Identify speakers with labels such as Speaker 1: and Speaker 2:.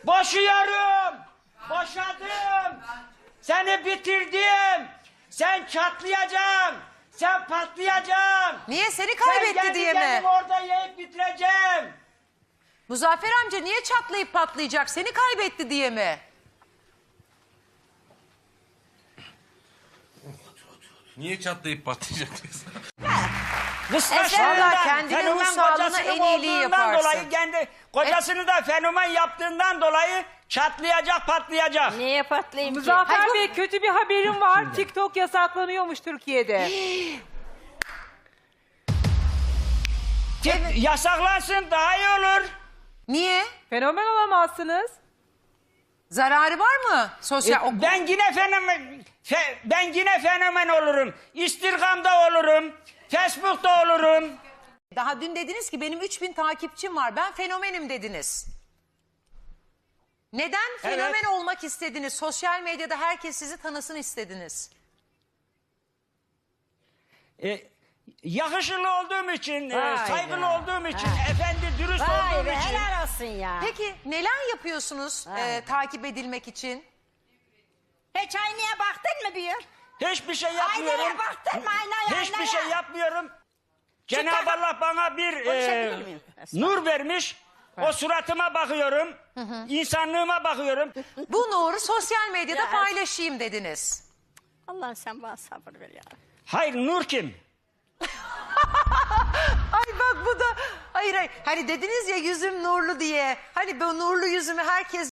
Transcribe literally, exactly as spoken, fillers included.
Speaker 1: Boşuyorum. Boşadım. Seni bitirdim. Sen çatlayacaksın. Sen patlayacaksın.
Speaker 2: Niye seni
Speaker 1: Sen
Speaker 2: kaybetti
Speaker 1: kendi
Speaker 2: diye mi?
Speaker 1: kendimi orada yiyip bitireceğim.
Speaker 2: Muzaffer amca niye çatlayıp patlayacak? Seni kaybetti diye mi?
Speaker 3: Niye çatlayıp patlayacak diyorsun?
Speaker 1: Kıskançlığından,
Speaker 2: Vallahi kendinin
Speaker 1: fenomen
Speaker 2: ruh sağlığına
Speaker 1: kocasının
Speaker 2: en iyiliği
Speaker 1: olduğundan
Speaker 2: yaparsın.
Speaker 1: dolayı kendi kocasını da fenomen yaptığından dolayı çatlayacak, patlayacak.
Speaker 4: Niye patlayayım ki?
Speaker 5: Muzaffer
Speaker 2: Hayır, bu-
Speaker 5: Bey kötü bir haberim var. TikTok yasaklanıyormuş Türkiye'de.
Speaker 1: Tek- Yasaklansın daha iyi olur.
Speaker 2: Niye?
Speaker 5: Fenomen olamazsınız.
Speaker 2: Zararı var mı? Sosyal...
Speaker 1: E, ben yine fenomen fe- ben yine fenomen olurum. Instagram'da olurum. Facebook'ta olurum.
Speaker 2: Daha dün dediniz ki benim üç bin takipçim var. Ben fenomenim dediniz. Neden fenomen
Speaker 1: Evet.
Speaker 2: olmak istediniz? Sosyal medyada herkes sizi tanısın istediniz.
Speaker 1: E, yakışıklı olduğum için, e,
Speaker 4: Vay
Speaker 1: saygılı
Speaker 4: be.
Speaker 1: olduğum için, efendi dürüst
Speaker 4: Vay
Speaker 1: olduğum
Speaker 4: be
Speaker 1: için.
Speaker 4: helal olsun ya.
Speaker 2: Peki neler yapıyorsunuz
Speaker 4: Vay
Speaker 2: e, takip edilmek için?
Speaker 4: Hiç aynaya baktın mı bir?
Speaker 1: Hiçbir şey yapmıyorum.
Speaker 4: Aynaya baktın mı aynaya
Speaker 1: Hiçbir
Speaker 4: aynaya?
Speaker 1: şey yapmıyorum. Cenab-ı
Speaker 4: takım-
Speaker 1: Allah bana bir e,
Speaker 4: Konuşabilir miyim?
Speaker 1: nur vermiş. O suratıma bakıyorum. İnsanlığıma bakıyorum.
Speaker 2: Bu nuru sosyal medyada
Speaker 4: Ya.
Speaker 2: paylaşayım dediniz.
Speaker 4: Allah sen bana sabır ver ya.
Speaker 1: Hayır, nur kim?
Speaker 2: Ay bak bu da hayır hayır hani dediniz ya yüzüm nurlu diye. Hani bu nurlu yüzümü herkes